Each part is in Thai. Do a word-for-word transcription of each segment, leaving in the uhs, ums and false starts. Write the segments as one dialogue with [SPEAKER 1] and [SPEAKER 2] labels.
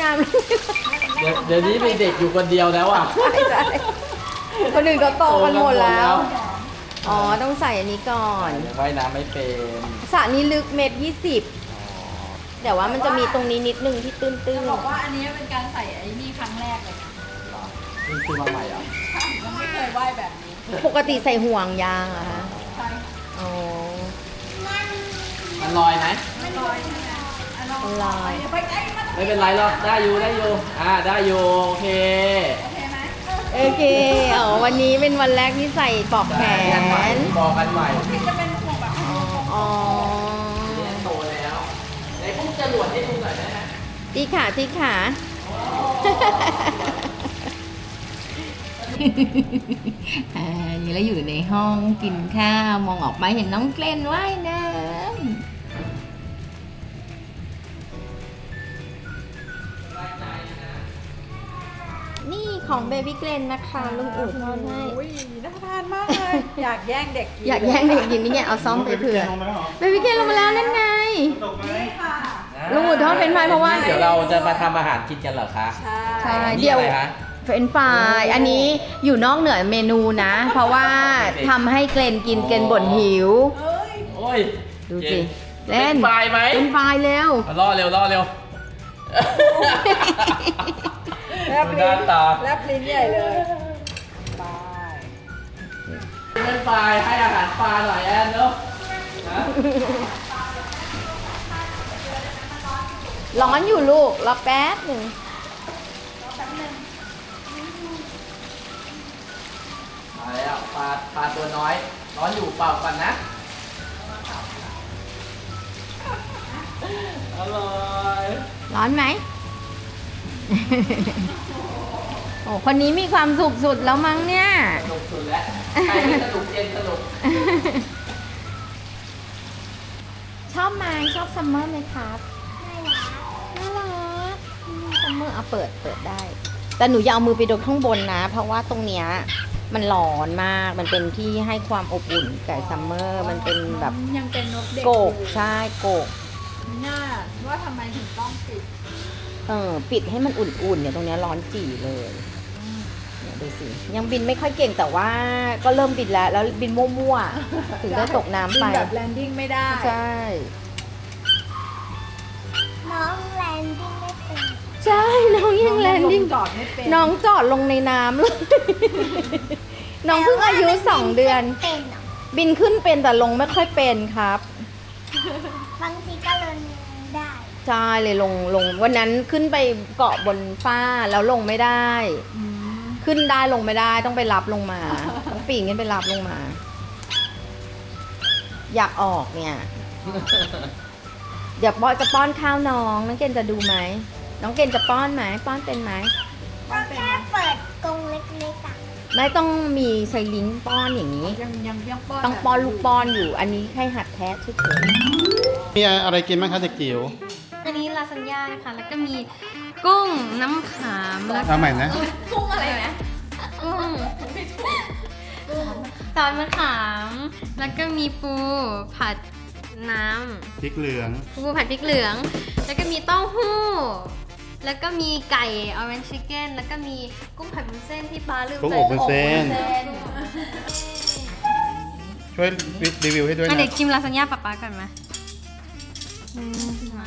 [SPEAKER 1] ามเลย
[SPEAKER 2] เดี๋ยวเดี๋ยวนี้มีเด็กอยู่คนเดียวแล้วอ่ะ
[SPEAKER 1] ใช่ใช่คนอื่นก็โตกันหมดแล้ว อ๋อต้องใส่อันนี้ก่อน
[SPEAKER 2] ยังว่ายน้ำไม่เป็น
[SPEAKER 1] สระนี้ลึกเมตรยี่สิบแต่ว่ามันจะมีตรงนี้นิดนึงที่ตื้น
[SPEAKER 3] จะบอกว่าอันนี้เป็นการใส่ไอ้นี่ครั้งแรกเลยนะ
[SPEAKER 2] นี่คือมาใหม่เหรอ่ะ
[SPEAKER 3] ยังไม่เคยว่ายแบบนี้
[SPEAKER 1] ๆปกติใส่ห่วงยางเหรอะคะ
[SPEAKER 3] ใช่
[SPEAKER 1] อ๋อ
[SPEAKER 2] มันลอยไหม
[SPEAKER 3] ไม่ลอยใช่ไหมอ่ะลอง
[SPEAKER 1] มันลอย
[SPEAKER 3] เดี๋ยวไปใกล้มัน
[SPEAKER 2] ไม่เป็นไรหรอกได้อยู่ได้อยู่อ่าได้อยู่โอเค
[SPEAKER 3] โอเคไหม
[SPEAKER 1] โอเคอ๋อวันนี้เป็นวันแรกที่ใส่ปลอกแข
[SPEAKER 2] ได้กันใหม่
[SPEAKER 1] น
[SPEAKER 2] บอกกันใหม่
[SPEAKER 3] ที่จะเป็นห่วงแบบ
[SPEAKER 1] อ๋ออ๋อ
[SPEAKER 2] เรียนโตแล้วในพวกจรวดให้ดูหน่อยได้ไหม
[SPEAKER 1] ตีขาตีขาอ่านี่เราอยู่ในห้องกินข้าวมองออกไปเห็นน้องเกลนว่ายน้ำนี่ของเบบี้เกลนนะคะลุงอู๋ทอดให้
[SPEAKER 3] อุ้ยน่าทานมากเลย อยากแย่งเด็กกิน
[SPEAKER 1] อยากแย่งเด็กกินนี่ไงเอาซ่อมไปเผื่อเบบี้เกลนลงมาแล้วนั่นไง
[SPEAKER 3] นี่ค่ะ
[SPEAKER 1] ลุงอู๋ทอดเป็นไฟเพราะว่า
[SPEAKER 2] เดี๋ยวเราจะมาทำอาหารกินกันเหรอคะ
[SPEAKER 3] ใช่
[SPEAKER 1] ใช่
[SPEAKER 2] นี่
[SPEAKER 1] เดี๋ยว
[SPEAKER 2] อะไรคะ
[SPEAKER 1] เฟรนช์ฟรายอันนี้อยู่นอกเหนือเมนูนะ เพราะว่าทำให้เกรนกินเกรนบ่นหิว
[SPEAKER 3] เอ้ย
[SPEAKER 2] โอ้ย
[SPEAKER 1] ดูสิ
[SPEAKER 2] เล่นไฟไหม
[SPEAKER 1] เป็นไฟล์เร็ว
[SPEAKER 2] มาล่อเร็วล่อเร็ว
[SPEAKER 3] แลบ
[SPEAKER 2] ดูห
[SPEAKER 3] ลิ้
[SPEAKER 2] น้าน ตา
[SPEAKER 3] แลบลิ้นใหญ่เลยบาย
[SPEAKER 2] เป็นไฟให้อาหารปลาหน่อยแอนเนาะนะ
[SPEAKER 1] ร้อนอยู่ลูกรอแป๊บหนึ่ง
[SPEAKER 2] มาแล้วปลาปลาตัวน้อย ร้อนอยู่เปล่ากันนะอร่อย
[SPEAKER 1] ร้อนไหม โอ้คนนี้มีความสุขสุดแล้วมั้งเนี่ย
[SPEAKER 2] สนุกสุดแล้วใครไม่สนุกเย็นสนุก
[SPEAKER 1] ชอบไหมชอบซัมเมอร์ไหมครับน่ารักซัมเมอร์เอาเปิดเปิดได้ แต่หนูอย่าเอามือไปโดนข้างบนนะ เพราะว่าตรงเนี้ยมันร้อนมาก มันเป็นที่ให้ความอบอุ่นกับซัมเมอร์ มันเป็นแบบ
[SPEAKER 3] ยังเป็นนกเด็ก
[SPEAKER 1] โกก
[SPEAKER 3] อยู่
[SPEAKER 1] ใช่โกก
[SPEAKER 3] ไม่น่าว่าทำไมถึงต้องปิด
[SPEAKER 1] เออปิดให้มันอุ่นๆเนี่ยตรงเนี้ยร้อนจี่เลยเนี่ยดูสิยังบินไม่ค่อยเก่งแต่ว่าก็เริ่มบินแล้วแล้วบินมั่วๆ ถึงได้ตกน้ำไป
[SPEAKER 3] บินแบบแลนดิ้งไม่ได้
[SPEAKER 1] ใช่
[SPEAKER 4] น้องแลนดิ้งไม่เป็น
[SPEAKER 1] ใช่น้องยังแลนดิ้ง
[SPEAKER 3] จอดไม่เป็น
[SPEAKER 1] น้องจอดลงในน้ำเลย น้องเพิ่งอายุสองเดือน
[SPEAKER 4] เป็นเหรอ
[SPEAKER 1] บินขึ้นเป็นแต่ลงไม่ค่อยเป็นครับ
[SPEAKER 4] บางทีก็ลงได้
[SPEAKER 1] ใช่เลยลงลงวันนั้นขึ้นไปเกาะบนฟ้าแล้วลงไม่ได้
[SPEAKER 3] อืม
[SPEAKER 1] ขึ้นได้ลงไม่ได้ต้องไปรับลงมาต้องปีนขึ้นไปรับลงมา อยากออกเนี่ย เดี๋ยวบอยจะป้อนข้าวน้องน้องเกณฑ์จะดูไหมน้องเกณฑ์จะป้อนไหมป้อนเป็นไหม
[SPEAKER 4] ก็แค่เปิดกรงเล็กๆอ่ะ
[SPEAKER 1] ไม่ต้องมีไซลิงป้อนอย่างนี้
[SPEAKER 3] ยังยังยังป้อน
[SPEAKER 1] ต้องป้อนลูกป้อนอยู่ อันนี้แค่หัดแท้เฉย
[SPEAKER 5] มีอะไรกินบ้างคะเด็กจิ๋ว
[SPEAKER 6] อันนี้ลาซานญ่านะคะ แล้วก็มีกุ้งน้ำขามแล้วก็
[SPEAKER 5] เอาใหม่นะ
[SPEAKER 6] กุ้งอะไรนะกุ้งซอสมะขาม แล้วก็มีปูผัดน้
[SPEAKER 5] พริกเหลือง
[SPEAKER 6] ำปูผัดพริกเหลือง แล้วก็มีเต้าหู้ แล้วก็มีไก่ orange chicken แล้วก็มีกุ้งผัดวุ้นเส้นที่ปลาลืม
[SPEAKER 5] กุ้ง
[SPEAKER 6] ใส่
[SPEAKER 5] อบวุ้นเส้น
[SPEAKER 6] อบวุ้นเส้น
[SPEAKER 5] ช่วยรีวิวให้ด้วย
[SPEAKER 6] อ่ะ
[SPEAKER 5] นะ
[SPEAKER 6] เดี๋ยวชิมลาซานญ่าป๊าป๊าก่อนไหมอืมมา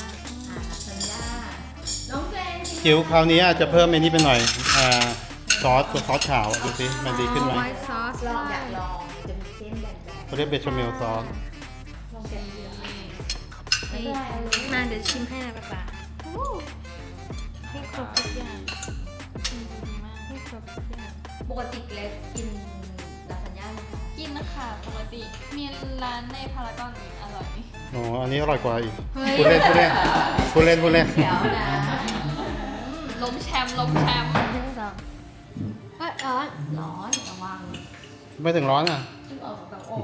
[SPEAKER 5] จิ๋วคราวนี้อาจจะเพิ่มไอ้นี่ไปหน่อยอ่าซอสตัวซอสขาวดูสิมันดีขึ้นไหม
[SPEAKER 6] ไวท์ซอส
[SPEAKER 1] ๆลองอยากลองจะมีเส้นแบน
[SPEAKER 5] เขาเรียกเบชาเมลซอส
[SPEAKER 6] มาเดี๋ยวชิมให้นะป๊าป๊าให้ครบทุกอย่างให้ครบทุกอย่าง
[SPEAKER 1] ปกติเกรซกินลาซานญ่าไหมคะ
[SPEAKER 7] กินนะคะปกติมีร้านในพารากอนอีกอร่อย
[SPEAKER 5] โอ้อันนี้อร่อยกว่าอีก
[SPEAKER 6] เฮ้ย
[SPEAKER 5] พูดเล่นพูดเล่นพูดเล่นพูดเล่น
[SPEAKER 1] เดี๋ยวนะ
[SPEAKER 7] ล้มแชมป์ล้มแชมป์
[SPEAKER 6] หนึ่งสองเฮ้ยร้อน
[SPEAKER 1] ร้อนระวัง
[SPEAKER 5] ไม่ถึงร้อนอ่ะ
[SPEAKER 1] ซึ่งออกจากอก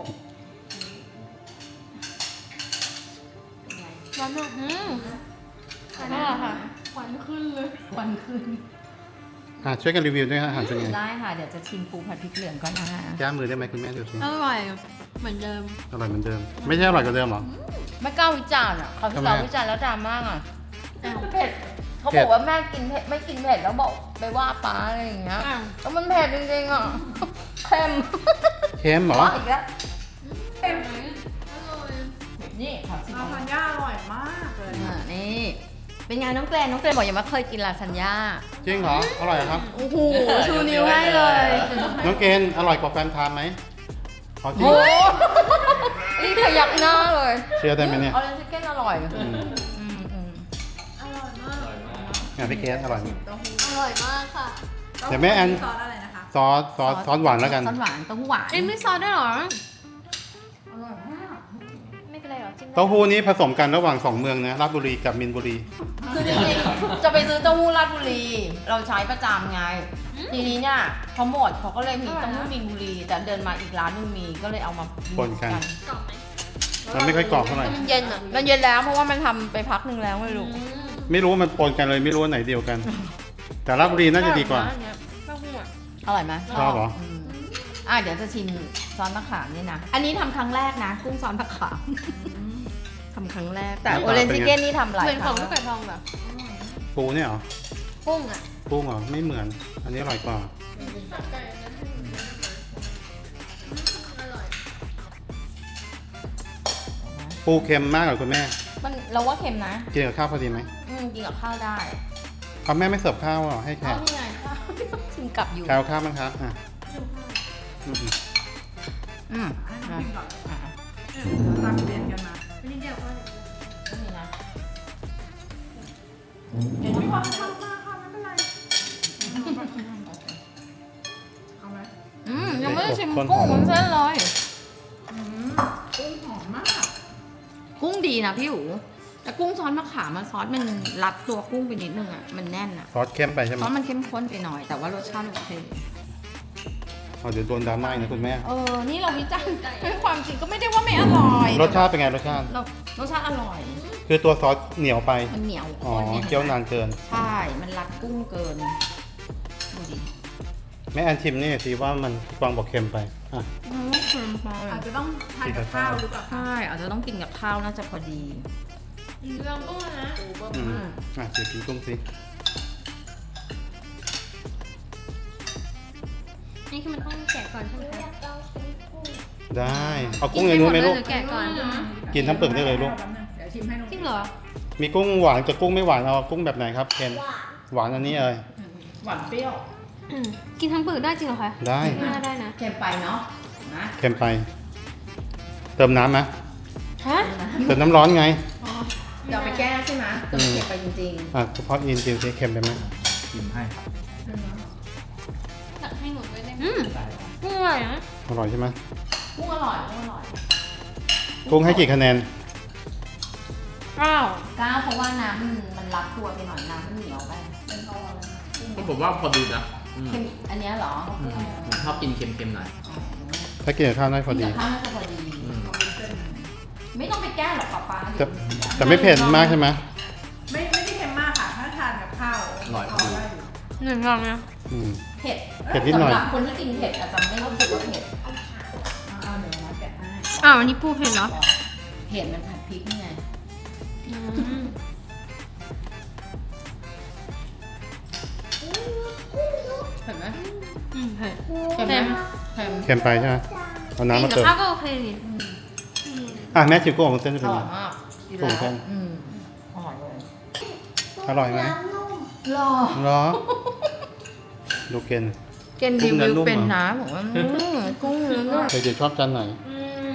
[SPEAKER 1] เป็นไง
[SPEAKER 6] ร้อนมากอืมอร่อยค่ะ
[SPEAKER 1] ควันขึ้นเลยควันขึ้น
[SPEAKER 5] อ่ะช่วยกันรีวิวด้วยฮะอาหารเป็นไง
[SPEAKER 1] ได้ค่ะ เดี๋ยวจะชิมปูผัดพริกเหลืองก่อนนะคะ
[SPEAKER 5] แก้มือได้ไหมคุณแม่ดูสิ
[SPEAKER 6] อร่อยเหมือนเดิม
[SPEAKER 5] อร่อยเหมือนเดิม ไม่ใช่อร่อยกว่าเดิมเหรอ
[SPEAKER 1] ไม่กล้าวิจารณ์อ่ะเขา
[SPEAKER 5] ทำไม
[SPEAKER 1] เขาวิจารณ์แล้วดราม่าอ่ะเผ็ดเขาบอกว่าแม่กินเผ็ดไม่กินเผ็ดแล้วบอกไปว่าป้าอะไรอย่างเงี้ย
[SPEAKER 6] อ่ะ
[SPEAKER 1] แล้วมันเผ็ดจริงๆอ่ะ เค็ม
[SPEAKER 5] เค็มเหรอ
[SPEAKER 1] อีกแล้ว
[SPEAKER 3] เต็ม
[SPEAKER 1] นี่ครับสิ
[SPEAKER 3] ลาซานญ่าอร่อยมากเลย
[SPEAKER 1] อ่านี่ เป็นไงน้องเกรนน้องเกรนบอกยังไม่เคยกินลาซานญ่า
[SPEAKER 5] จริงเหรอ อร่อยเหรอครับ
[SPEAKER 1] โอ้โหชูนิ้วให้เลย
[SPEAKER 5] น้องเกณฑ์อร่อยกว่าแฟนทานไหมเอาจริง
[SPEAKER 1] โอ้รีบขยับหน้าเลย
[SPEAKER 5] เชื่อได้ไหมเนี่ย
[SPEAKER 1] ออเรนจ์ชิคเก้นอร่อย
[SPEAKER 5] อืม
[SPEAKER 1] อืมอืม
[SPEAKER 5] งานพี่เกณฑ์อร่อยไหม
[SPEAKER 6] อร่อยมากค่ะ
[SPEAKER 5] เดี๋ยวแม่แอน
[SPEAKER 3] ซอสอะไรนะคะ
[SPEAKER 5] ซอสซอสซอสหวานแล้วกัน
[SPEAKER 1] ซอสหวานเต้าหู้หวาน
[SPEAKER 6] เอ็มไม่ซอสด้วยเหรอ
[SPEAKER 1] อร่อยมาก
[SPEAKER 6] ไม่เป็นไรหรอจิ้มได้
[SPEAKER 5] เต้าหู้นี้ผสมกันระหว่างสองเมืองนะราชบุรีกับมินบุรี
[SPEAKER 1] คือจริงๆจะไปซื้อเต้าหู้ราชบุรี เราใช้ประจำไง ทีนี้เนี่ยเขาหมดเขาก็เลยมีเต้าหู้มีนบุรี แต่เดินมาอีกร้านหนึงมีก็เลยเอามา
[SPEAKER 5] ปนกัน
[SPEAKER 6] กรอบไหม
[SPEAKER 5] มันไม่ค่อยกรอบเท่าไหร่
[SPEAKER 6] มันเย็นอ่ะ
[SPEAKER 1] มันเย็นแล้วเพราะว่ามันทำไปพักหนึ่งแล้วไม่รู้
[SPEAKER 5] ไม่รู้ว่ามันปนกันเลยไม่รู้ว่าไหนเดียวกัน แต่ราชบุรีน่าจะดีกว่า
[SPEAKER 6] เต้าหู้อ่ะ
[SPEAKER 1] อร่อยไหม
[SPEAKER 5] ชอบเหรอ
[SPEAKER 1] มอ่ะเดี๋ยวจะชิมซอสมะขามนี่นะ อันนี้ทำครั้งแรกนะกุ้งซอสมะขามทำครั้งแรก แต่
[SPEAKER 5] หน้าตา
[SPEAKER 1] โอเรน
[SPEAKER 5] เป็น
[SPEAKER 1] จิ
[SPEAKER 5] ไง
[SPEAKER 1] เก้นนี่ทำหลาย
[SPEAKER 6] เหมือน
[SPEAKER 1] ค
[SPEAKER 6] ขอ
[SPEAKER 1] รั้
[SPEAKER 6] ง
[SPEAKER 1] ง
[SPEAKER 6] ลูกไก่ทองแบบ
[SPEAKER 5] ปูเนี่ยเหรอ
[SPEAKER 6] กุ้งอ่ะ
[SPEAKER 5] กุ้งเหรอไม่เหมือน อันนี้อร่อยกว่า ปูเค็มมากกว่าคุณแม่
[SPEAKER 1] มันเราว่าเค็มนะ
[SPEAKER 5] กินกับข้าวพอดีไหม
[SPEAKER 1] อืมกินกับข้าวได้
[SPEAKER 5] เอาแม่ไม่เสิร์ฟข้าวเหรอให้แข
[SPEAKER 1] ข้าว
[SPEAKER 5] ก
[SPEAKER 1] ที่ไงข้าว ชิมกลับอยู่
[SPEAKER 5] แขกเอาข้าวมั้งครับอ่ะอืม
[SPEAKER 1] อืม
[SPEAKER 3] ให้น้อง
[SPEAKER 1] อ่ะ
[SPEAKER 3] พิมก่อน
[SPEAKER 1] อ่ะ
[SPEAKER 3] ตักเรียนกันมา
[SPEAKER 6] นี่เดียวก็
[SPEAKER 1] นี่นะ
[SPEAKER 3] ไม่ความทำมากค่ะไม่เป็นไรเอาไหม
[SPEAKER 1] อืมยังไม่ได้ชิมกุ้งมันเส้นเลย
[SPEAKER 3] อืมกุ้งหอมมาก
[SPEAKER 1] กุ้งดีนะพี่หูแต่กุ้งซอสมะขามมันซอสมันรัดตัวกุ้งไปนิดนึงอ่ะมันแน่นอ่ะ
[SPEAKER 5] ซอสเค็มไปใช่ไห
[SPEAKER 1] ซ
[SPEAKER 5] ม
[SPEAKER 1] อสมันเข้มข้นไปหน่อย แต่ว่ารสชาติโอเค
[SPEAKER 5] เอาเดี๋ยวโดนดราม่าอีกนะคุณแม่
[SPEAKER 1] เออ นี่เราวิจารณ์ด้วยความจริงก็ไม่ได้ว่าไม่อร่อย
[SPEAKER 5] รสชาติเป็นไงรสชาติ
[SPEAKER 1] เรารสชาติอร่อย
[SPEAKER 5] คือตัวซอสเหนียวไป
[SPEAKER 1] มันเหนียว
[SPEAKER 5] อ๋อ
[SPEAKER 1] ข้นเนี่ย
[SPEAKER 5] เคี่ยวนานเกิน
[SPEAKER 1] ใช่ มันรัดกุ้งเกิน ดูดิ
[SPEAKER 5] แม่แอนชิมนี่สิว่ามันฟองบอกเค็มไป อ่ะ
[SPEAKER 1] อืมเค็มไป
[SPEAKER 3] อาจจะต้องทานกับข้าวหรือเปล่าคะ
[SPEAKER 1] ใช่อาจจะต้องกินกับข้าวน่าจะพอดี
[SPEAKER 6] ลองกุ้งนะ
[SPEAKER 5] อืมอ่ะเดี๋ยวกินกุ้งสิ
[SPEAKER 6] นี่คือมันต้องแกะก่อนใช่ไหมคะ
[SPEAKER 5] ได้ เอากุ้งในนู้นไหมลูก
[SPEAKER 6] แกะก่อน
[SPEAKER 5] กินทั้งเปลือกได้เลยลูก
[SPEAKER 3] แป๊บนึงเดี๋ยวชิมให้น้อง
[SPEAKER 6] จริงเหรอ
[SPEAKER 5] มีกุ้งหวานกับกุ้งไม่หวาน เอากุ้งแบบไหนครับเคนหวานอันนี้เลย
[SPEAKER 1] หวานเปรี้ยว
[SPEAKER 6] อืมกินทั้งเปลือกได้จริงเหรอคะ
[SPEAKER 5] ได้
[SPEAKER 6] น่าได้นะ
[SPEAKER 1] เค็มไปเนาะนะ
[SPEAKER 5] เค็มไป เติมน้ำไหม
[SPEAKER 6] ฮะ
[SPEAKER 5] เติมน้ำร้อนไง
[SPEAKER 1] เดี๋ยวไปแก้ใช่ไหมจะ
[SPEAKER 5] อืม
[SPEAKER 1] เค็มไปจริง
[SPEAKER 5] อ่ะเฉพาะอินจิวสิเค็มไปไหม
[SPEAKER 2] ชิมให้ครับ
[SPEAKER 7] ตักให้หนูด้วยได้ไหม
[SPEAKER 6] อืมกุ้งอร่อยนะ
[SPEAKER 5] อร่อยใช่ไหม
[SPEAKER 1] ๆกุ้งอร่อยกุ้งอร่อย
[SPEAKER 5] กุ้งให้กี่คะแนน
[SPEAKER 6] อ้าว
[SPEAKER 1] ก้าวเพราะว่าน้ำมันมันรัดตัวไปหน่อยน้ำมันเหนียวไป
[SPEAKER 2] ก็ผมว่าพอดีนะอืม
[SPEAKER 1] เค็มอันเนี้ยเหรอ
[SPEAKER 2] อืมผมชอบกินเค็มๆหน่อย
[SPEAKER 5] ถ้ากินกับข้าวได้พอดี
[SPEAKER 1] กินกับข้าวน่าจะพอดี
[SPEAKER 2] อืม
[SPEAKER 1] ไม่ต้องไปแก้หรอกป๊าป๊า
[SPEAKER 5] แต่แต่ไม่เผ็ดมากใช่ไหม
[SPEAKER 3] ไม่ไม่ได้เค็มมากค่ะ ถ้าทานกับข้าว
[SPEAKER 2] อร่อยพอดี
[SPEAKER 3] ได้อยู่
[SPEAKER 6] หนึ่งลองนะ
[SPEAKER 5] อืม
[SPEAKER 1] เผ็ด
[SPEAKER 5] เผ็ดนิดหน่อย
[SPEAKER 1] สำหรับคนที่กินเผ็ดอาจจะไม่รู้สึกว่าเผ็ด
[SPEAKER 3] เอาเดี๋ยวมาแกะให้
[SPEAKER 6] อ้าวอันนี้ปูเผ็ดเหรอ
[SPEAKER 1] เผ็ดมันผัดพริกนี่ไง
[SPEAKER 6] อืม
[SPEAKER 1] เผ็ดไหม
[SPEAKER 6] อืมเผ็ด
[SPEAKER 1] เค็มไหมเค็ม
[SPEAKER 5] เค็มไปใช่ไหมเอาน้ำ
[SPEAKER 6] กิ
[SPEAKER 5] มาน
[SPEAKER 6] กับ
[SPEAKER 5] เติม
[SPEAKER 6] ข้าวก็โอเคนี่
[SPEAKER 5] อ่ะแม่ชิมกุ้งของเส้นจะ
[SPEAKER 1] อ
[SPEAKER 5] เป็น
[SPEAKER 1] ร่
[SPEAKER 5] ไง
[SPEAKER 1] อยมากอยู่
[SPEAKER 5] กุ้ง
[SPEAKER 1] แล้ว
[SPEAKER 5] เส้น
[SPEAKER 1] อืมอร่อยเลย
[SPEAKER 5] อร่อยไหม
[SPEAKER 1] รอ
[SPEAKER 5] เหรอ ดูเกน
[SPEAKER 1] เกนรีวิวเป็นนะบอกว่าอืมกุ้งเนื้อนุ่ม
[SPEAKER 5] เดี๋ยวชอบจานไหน
[SPEAKER 6] อืม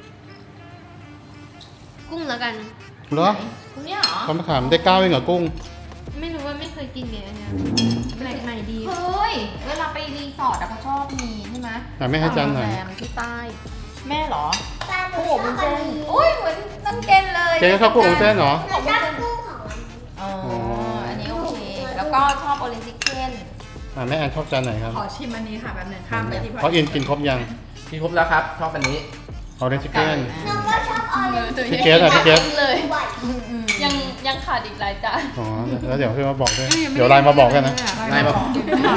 [SPEAKER 6] กุ้งแล้วกัน
[SPEAKER 5] เหรอ
[SPEAKER 1] กุ้งเนี่ยเหรอ
[SPEAKER 5] ข้าวมะขามได้เก้าเองเหรอกุ้ง
[SPEAKER 6] ไม่รู้ว่าไม่เคยกินเลยอันเนี้ยแปลกใหม่ดี
[SPEAKER 1] เฮ้ยเวลาไปรีสอร์ทอะเขาชอบมีใช่ไหม
[SPEAKER 5] อ่ะไม่ให้จานไหน
[SPEAKER 1] โรงแรมที่ใต้ แม่เหรอ
[SPEAKER 4] ตาหนู
[SPEAKER 1] กุ้ง
[SPEAKER 4] ช
[SPEAKER 1] อบ
[SPEAKER 4] อ
[SPEAKER 1] วุ้น
[SPEAKER 4] บอั
[SPEAKER 1] เส้
[SPEAKER 4] น
[SPEAKER 1] น
[SPEAKER 4] นี้
[SPEAKER 1] โอ้ยเหมือนน้องเกนเลย
[SPEAKER 5] เกนก็ชอบกุ้งของเส้นเหรอ
[SPEAKER 4] หนูชอบกุ้งของมัน
[SPEAKER 1] อ๋ออันนี้โอเค แล้วก็ชอบโอเรนจิเก้น
[SPEAKER 5] อ่ะแม่แอนชอบจานไหนครับ
[SPEAKER 3] ขอชิมอันนี้ค่ะแป๊บนึงข้ามไปที่
[SPEAKER 5] เพราะอินกินครบยัง
[SPEAKER 2] กินครบแล้วครับ ชอบอันนี้
[SPEAKER 5] ออเรนจ์เกน
[SPEAKER 4] หนูก็ชอบออเรนจ์
[SPEAKER 5] พี่เกสอ่ะพี่เกส
[SPEAKER 7] เลย
[SPEAKER 4] ด้วย
[SPEAKER 7] ยังยังขาดอีกหลายจาน
[SPEAKER 5] อ๋อแล้วเดี๋ยวพี่มาบอกด้วยเดี๋ยวไลน์มาบอกกันนะ
[SPEAKER 2] ไลน์มาบอก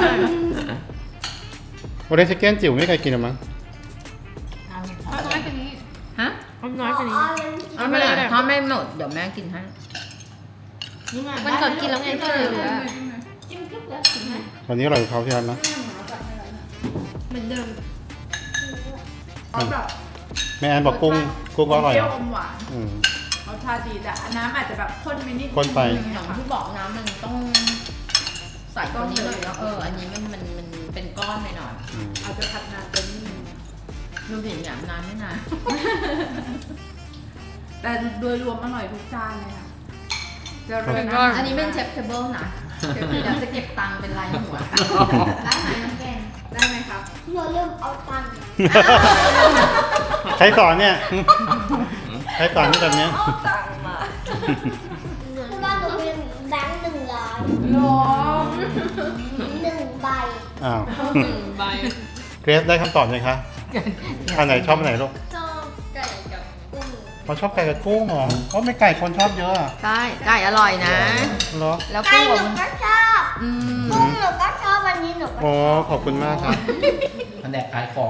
[SPEAKER 5] ออเรนจ์เกนจิ๋วไม่เคยกินหรอมั้ง
[SPEAKER 6] เอาน้อยกว่านี้
[SPEAKER 1] ฮะ
[SPEAKER 6] เอาน้อยกว่านี้
[SPEAKER 4] ออเรนจ์
[SPEAKER 1] เอาไม่ได้ถ้าไม่หมดเดี๋ยวแม่กินให้นี่ไง
[SPEAKER 6] มันก่อนกินแล้วไงที่เหลือ
[SPEAKER 1] จิ้มกึ๊บแล้วกินไหม
[SPEAKER 5] วันนี้อร่อยกว่าเขาที่ร้านนะ
[SPEAKER 6] เหมือนเดิม
[SPEAKER 3] เขาแบบ
[SPEAKER 5] แม่แอนบอกกุ้งกุ้งก็อร่อย
[SPEAKER 3] เปรี้ยว
[SPEAKER 5] นะ
[SPEAKER 3] อมหวาน
[SPEAKER 5] อืม
[SPEAKER 3] รสชาติดีแต่น้ำอาจจะแบบข้นไปนิด
[SPEAKER 5] ข้นไป
[SPEAKER 1] อย่างที่บอกน้ำมันต้องใส่ตัวนี้เลยเนาะเอออันนี้มันมันมันเป็นก้อนไปหน่อย
[SPEAKER 5] อืม
[SPEAKER 3] อาจจะผัดนานไปนิดนึง
[SPEAKER 1] ดูเห็นอย่างนานไม่นาน
[SPEAKER 3] แต่โดยรวมอร่อยทุกจานเลยค่ะจะเริ่ม
[SPEAKER 1] อันนี้เป็นเชฟเทเบิลนะเดี๋ยวจะเก็บตังค์เป็นลายหัวได้ไหมน้องแกน
[SPEAKER 3] ได้ไหมครับ
[SPEAKER 4] เราเริ่มเอาตังค์
[SPEAKER 5] ใครสอนเนี่ย ใครสอนที่แบบเนี้ย
[SPEAKER 4] คือว่าหนูเป็นแบงค์หนึ่งร้อย
[SPEAKER 3] หรอ
[SPEAKER 4] หนึ่งใบ
[SPEAKER 5] อ้าว
[SPEAKER 7] หนึ่งใบ
[SPEAKER 5] เกรซได้คำตอบยังคะอันไหนชอบอันไหนลูก
[SPEAKER 7] ชอบไก่กับ
[SPEAKER 4] กุ้ง
[SPEAKER 5] เขาชอบไก่กับกุ้งเหรอเพราะไม่ไก่คนชอบเยอะอะ
[SPEAKER 1] ใช่ไก่อร่อยนะ
[SPEAKER 5] เหรอ
[SPEAKER 1] แล้ว
[SPEAKER 4] ไก่
[SPEAKER 1] กุ้ง
[SPEAKER 4] หนูก็ชอบ
[SPEAKER 1] อืม
[SPEAKER 4] กุ้งหนูก็ชอบวันนี้หนูก็ช
[SPEAKER 5] อ๋อ
[SPEAKER 4] อบ
[SPEAKER 5] ขอบคุณมากครับ
[SPEAKER 2] แผนกขายของ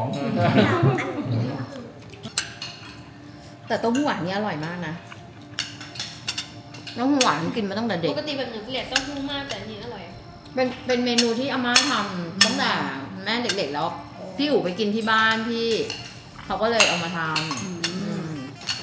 [SPEAKER 1] แต่เต้าหู้หวานนี่อร่อยมากนะเต้าหู้หวานกินมาตั้งแต่เด็
[SPEAKER 6] ป
[SPEAKER 1] ก
[SPEAKER 6] กติแบบหนูเกลียดเต้าหู้มากแต่อันนี้อร่อย
[SPEAKER 1] เป็นเป็นเมนูที่อาม่าทำตั้งแต่แม่เด็กๆแล้ว พี่อู๋ไปกินที่บ้านพี่เขาก็เลยเอามาทำอืม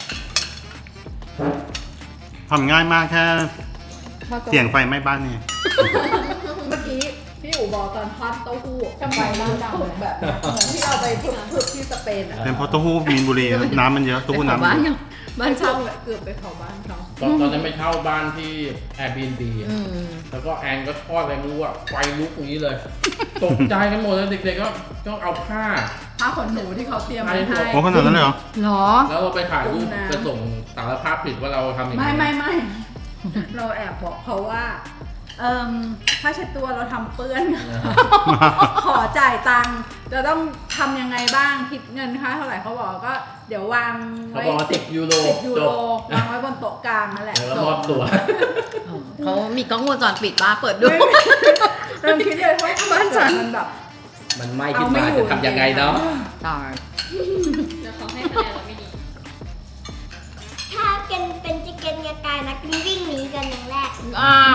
[SPEAKER 5] ทำง่ายมากแค่เสียงไฟไหม้บ้านนี่
[SPEAKER 3] เมื่อกี้พี่อู๋บอกตอนทอดเต้าหู้กำไมมากจังเลยแบบเนี้ยเหมือนที่เอาไปฝึกๆที่สเปนอะ
[SPEAKER 5] เป็นเพราะเต้าหู้มีนบุรีน้ำมันเยอะเต้าหู้น้ำ
[SPEAKER 1] บ้าน
[SPEAKER 5] เยอะ
[SPEAKER 1] บ้าน
[SPEAKER 3] เช่า
[SPEAKER 1] เช่า
[SPEAKER 3] เกือบไปเผาบ้านเขา
[SPEAKER 2] ตอนตอนนั้นไปเช่าบ้านที่ Airbnb
[SPEAKER 1] อืม
[SPEAKER 2] แล้วก็แอนก็ทอดอะไรไม่รู้อะไฟลุกอย่างนี้เลย ตกใจกันหมดเลยเด็กๆก็ต้องเอาผ้า
[SPEAKER 3] ผ้าขนหนูที่เขาเตรียมไว้ให้
[SPEAKER 5] โอ้ขนาดนั้นเลยเหรอ
[SPEAKER 1] เหรอ
[SPEAKER 2] แล้วเราไปถ่ายรูป
[SPEAKER 3] กุ้งน้ำ
[SPEAKER 2] ไปส่งสารภาพผิดว่าเราทำอย่าง
[SPEAKER 3] ไม่
[SPEAKER 2] นี้
[SPEAKER 3] ไม่ไม่เราแอบบอกเขาว่า เอ่มผ้าเช็ดตัวเราทำเปื้อน ขอจ่ายตังค์จะต้องทำยังไงบ้างคิดเงินค่าเท่าไหร่เขาบอกก็เดี๋ยววาง
[SPEAKER 2] เขา
[SPEAKER 3] ไว้
[SPEAKER 2] บอกว่าสิบยูโร
[SPEAKER 3] สิบยู
[SPEAKER 2] จ
[SPEAKER 3] โร
[SPEAKER 2] บ
[SPEAKER 3] วางไว้บนโต๊ะกลางนั่นแหละ
[SPEAKER 2] แล้วมอบตัว
[SPEAKER 1] เขามีกล้องวงจรปิดป้าเปิดดู
[SPEAKER 3] เริ่มคิดเลยว่าบ้านฉันมันแบบ
[SPEAKER 2] มันไหม่ขึ้นมาจะทำยังไงเนาะ
[SPEAKER 1] ตาย
[SPEAKER 6] แล้วเขาให้คะแนนเราไม่ดี
[SPEAKER 4] ถ้าเกนเป็นจิเกนกระกายนะกินวิ่งหนีกันอย่างแรก
[SPEAKER 1] อ้าว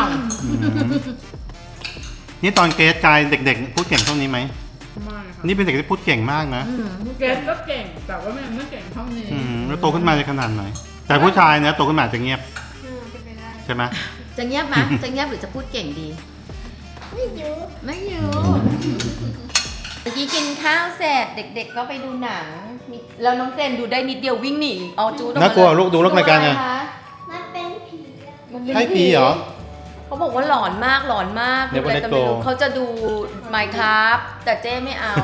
[SPEAKER 5] นี่ตอนเกรซกายเด็กๆ พูดเก่งเท่านี้ไหม
[SPEAKER 3] ไม่ค่ะ
[SPEAKER 5] นี่เป็นเด็กที่พูดเก่งมากนะ
[SPEAKER 1] อืม
[SPEAKER 3] เกรซก็เก่งแต่ว่ามันไม่เก่งเท่านี้
[SPEAKER 5] อืมแล้วโตขึ้นมาจะขนาดไหน แต่ผู้ชายเนี่ยโตขึ้นมาจะเงียบ
[SPEAKER 6] อืมเป็นไปได้
[SPEAKER 5] ใช่ไหม
[SPEAKER 1] จะเงียบไหมจะเงียบหรือจะพูดเก่งดี
[SPEAKER 4] ไม่อยู่
[SPEAKER 1] ไม่อยู่เมื่อกี้กินข้าวเสร็จเด็กๆก็ไปดูหนังมีแล้วน้องเจนดูได้นิดเดียววิ่งหนีเอาจูดออกมา
[SPEAKER 5] น่ากลัวลูกดูเรื่องรายการไง
[SPEAKER 1] ตัวอะคะ
[SPEAKER 4] มันเป็นผีอะ
[SPEAKER 1] มันเป็น
[SPEAKER 5] ใช่ผีเหรอ
[SPEAKER 1] เขาบอกว่าหลอนมากหลอนมาก
[SPEAKER 5] เดี๋ยววัน
[SPEAKER 1] อะไร
[SPEAKER 5] นี้
[SPEAKER 1] ก็ไม่รู้
[SPEAKER 5] โต
[SPEAKER 1] เขาจะดู Minecraft แต่เจ้ไม่เอา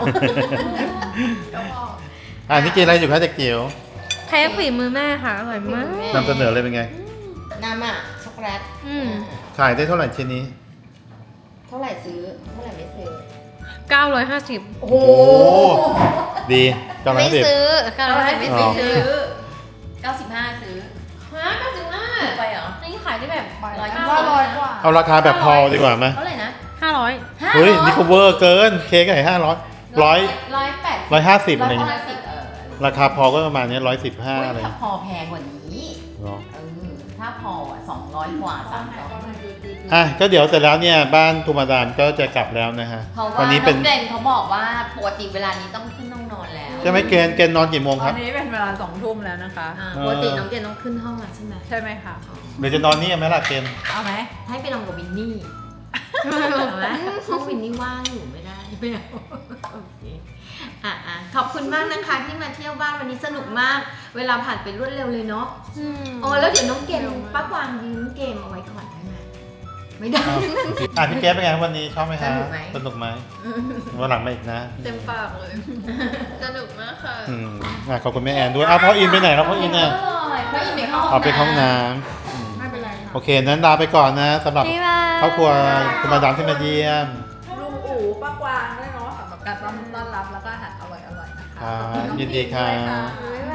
[SPEAKER 5] อ่านี่กินอะไรอยู่คะเด็กจิ๋ว
[SPEAKER 6] ใครฝีมือแม่ค่ะ อร่อยมาก
[SPEAKER 5] นำเสนอเลยเป็นไง
[SPEAKER 1] น้ำอ่ะช็อกโกแลต
[SPEAKER 6] อืม
[SPEAKER 5] ขายได้เท่าไหร่ชิ้นนี้
[SPEAKER 1] เท่าไหร่ซื้อเท่าไหร่ไม่ซื้อ
[SPEAKER 6] เก้าร้อยห้าสิบ
[SPEAKER 1] โอ้โห
[SPEAKER 5] ดีกำลัง
[SPEAKER 6] ไม่
[SPEAKER 5] สิบ
[SPEAKER 6] ซื้อเก้าร้อยห้าสิบ
[SPEAKER 5] อ๋อ
[SPEAKER 6] ไม่ซื้อ
[SPEAKER 1] เก้าสิบห้าซื้อฮะเก้าสิบห้าไปเหรอ
[SPEAKER 6] นี่ขายได้แบบ
[SPEAKER 1] ร้อย
[SPEAKER 6] เก้า
[SPEAKER 1] เก้า
[SPEAKER 3] ร้อยกว่า
[SPEAKER 5] เอาราคาแบบพอดีกว่าไหม
[SPEAKER 1] เท่าไหร่นะ
[SPEAKER 6] ห้าร้อย
[SPEAKER 1] ห้า
[SPEAKER 5] เฮ้ย
[SPEAKER 1] ร้อ
[SPEAKER 5] นี่ก็เวอร์เกิน เค้กไก่ห้าร้อยร้อย
[SPEAKER 1] ร้อยแปด
[SPEAKER 5] ร้อยห้าสิบ
[SPEAKER 1] ร้
[SPEAKER 5] อะ
[SPEAKER 1] อย
[SPEAKER 5] ไรเงี้ย
[SPEAKER 1] ห้าสิบเออ
[SPEAKER 5] ราคาพอก็ประมาณนี้ร้อยสิบห้า
[SPEAKER 1] อุ๊ย
[SPEAKER 5] อะไร
[SPEAKER 1] ถ้าพอแพงกว่านี้
[SPEAKER 5] เหรอ
[SPEAKER 1] เออถ้าพออ่ะสองร้อยกว่าสามร้อย
[SPEAKER 5] อ่ะก็เดี๋ยวเสร็จแล้วเนี่ยบ้านทูมาดามก็จะกลับแล้วนะฮะ
[SPEAKER 1] เพราะว่า
[SPEAKER 5] วั
[SPEAKER 1] น้
[SPEAKER 5] นี้
[SPEAKER 1] อง
[SPEAKER 5] เป็น
[SPEAKER 1] เจนเขาบอกว่าปกติเวลานี้ต้องขึ้นต้องนอนแล้ว
[SPEAKER 5] ใช่ไหมเกณฑ์เกณฑ์นอนกี่โมงค
[SPEAKER 3] ตอ
[SPEAKER 5] รับ
[SPEAKER 3] นนี้เป็นเวลาสองทุ่มแล้วนะคะ
[SPEAKER 1] อ่า
[SPEAKER 5] เออ
[SPEAKER 1] ปกติน้องเจนต้องขึ้นห้องอ่ะใช่ไหม
[SPEAKER 3] ใช่ไหมคะ
[SPEAKER 5] เดี๋ยวจะนอนนี่ไหมล่ะเกณฑ์
[SPEAKER 3] เอาไหม
[SPEAKER 1] ให้ไปนอนกับวินนี่เอาไหมห้องวินนี่ว่างอยู่ไม่ได้ไม่เอาโอเคอ่ะอ่ะขอบคุณมากนะคะที่มาเที่ยวบ้านวันนี้สนุกมาก เวลาผ่านไปรวดเร็วเลยเนาะ
[SPEAKER 6] อืม
[SPEAKER 1] อ๋อแล้วเดี๋ยวน้องเกมป้ากวางยืมเกมเอาไว้ก่อนได้ไหมไม่ได้
[SPEAKER 5] อ่ะพี่เกณฑ์เป็นไงวันนี้ชอบไหมฮะ
[SPEAKER 1] สนุกไหม
[SPEAKER 5] สนุกไหมวันหลังมาอีกนะ
[SPEAKER 6] เต็มปากเลย สนุกมากค่ะ
[SPEAKER 5] อืมอ่ะขอบคุณแม่แอนด้วยอ้าวพ่ออินไปไหนแล้วพ่ออินอ่ะ
[SPEAKER 1] เพราะอินไปเข้าห้อง
[SPEAKER 5] เอาไปเข้าห้องน้ำอืม
[SPEAKER 3] ไม่เป็นไรค่ะ
[SPEAKER 5] โอเคนั้นลาไปก่อนนะสำหรับ
[SPEAKER 6] บ๊ายบาย
[SPEAKER 5] ครอบครัวทูมาดามที่มาเยี่ยม
[SPEAKER 3] ลุงอู๋ป้ากวางด้วยเนาะสำหรับการต้อนรับแล้วก็อาหารอร่อยๆนะคะ
[SPEAKER 5] ครับ
[SPEAKER 3] ขอบคุณน้อง
[SPEAKER 5] ยินดีครับ
[SPEAKER 3] พิมพ์ด้วยค่ะ